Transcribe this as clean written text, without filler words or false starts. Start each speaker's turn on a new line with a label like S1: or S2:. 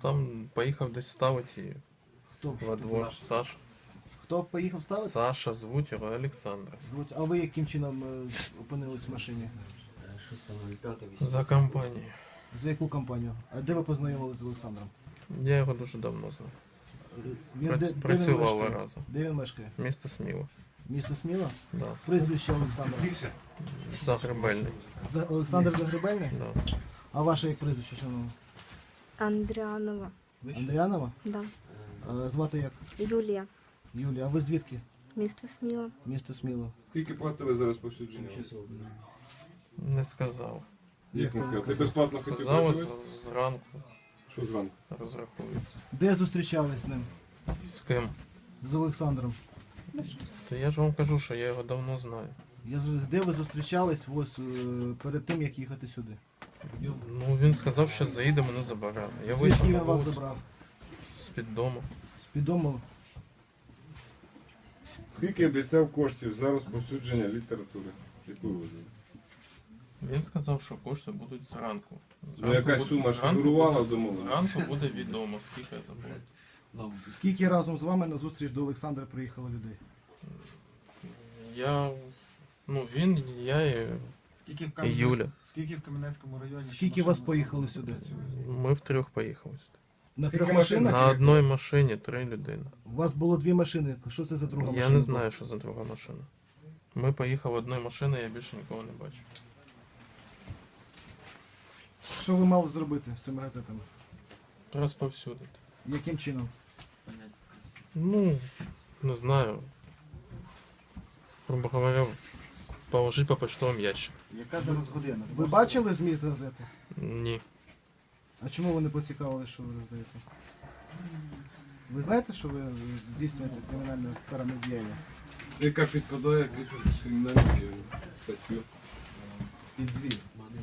S1: Там поїхав десь ставити її
S2: Хто?
S1: во двор. Саша.
S2: Хто поїхав ставити?
S1: Саша, звуть його Олександр.
S2: А ви яким чином опинились в машині?
S3: 6.05.18.
S1: За компанією.
S2: За яку компанію? А де ви познайомилися з Олександром?
S1: Я його дуже давно знаю.
S2: Він де він
S1: Працювали
S2: мешкає?
S1: разом.
S2: Де він мешкає?
S1: Місто Сміло.
S2: Місто Сміла?
S1: Да.
S2: Прізвище Олександра.
S1: Загребельний.
S2: Олександр Загребельний?
S1: Да.
S2: А ваше як прізвище, шановне?
S4: Андріанова.
S2: Андріанова?
S4: Да.
S2: Звати як?
S4: Юлія.
S2: Юлія. А ви звідки?
S4: Місто Сміла.
S2: Місто Сміло.
S5: Скільки платили за розповсюдження?
S1: Не сказав.
S5: Як
S2: це
S5: не сказав? Ти
S2: сказав?
S5: безплатно хотів
S1: Сказав
S5: працювати?
S1: зранку
S5: Що зранку?
S1: розрахується.
S2: Де зустрічались з ним?
S1: З ким?
S2: З Олександром.
S1: То я ж вам кажу, що я його давно знаю.
S2: Де ви зустрічались ось перед тим, як їхати сюди?
S1: Ну він сказав, що заїде мене забирати. Я
S2: Звідки
S1: вийшов
S2: він
S1: на
S2: вас
S1: вулицю
S2: забрав?
S1: з-під дому.
S2: З-під дому?
S5: Скільки обіцяв коштів за розповсюдження літератури? Яку ви вважаєте?
S1: Він сказав, що кошти будуть зранку.
S5: Ну, якась сума ж фігурувала в домовленості?
S1: Зранку буде відомо, скільки це буде.
S2: Скільки разом з вами на зустріч до Олександра приїхало людей?
S1: Він, я і
S6: Скільки в,
S1: І Юля.
S6: Скільки в Кам'янецькому районі?
S2: Скільки вас поїхали сюди?
S1: ми втрьох поїхали сюди.
S2: На
S5: Скільки
S2: трьох
S5: машин?
S2: машинах?
S1: На одній машині 3 людини.
S2: У вас було 2 машини. Що це за друга машина?
S1: Я не знаю, що за друга машина. Ми поїхали одною машиною, я більше нікого не бачу.
S2: Що ви мали зробити з цими газетами?
S1: Розповсюдити.
S2: Яким чином?
S1: Ну, не знаю. Грубо говоря, положить по почтовому ящику.
S6: Яка зараз година?
S2: Ви бачили зміст газети?
S1: Ні.
S2: А чому ви не поцікавили, що ви роздаєте? Ви знаєте, що ви здійснюєте кримінальне каране діяння?
S5: Яка підпадає під кримінальну статтю?
S2: Під дві.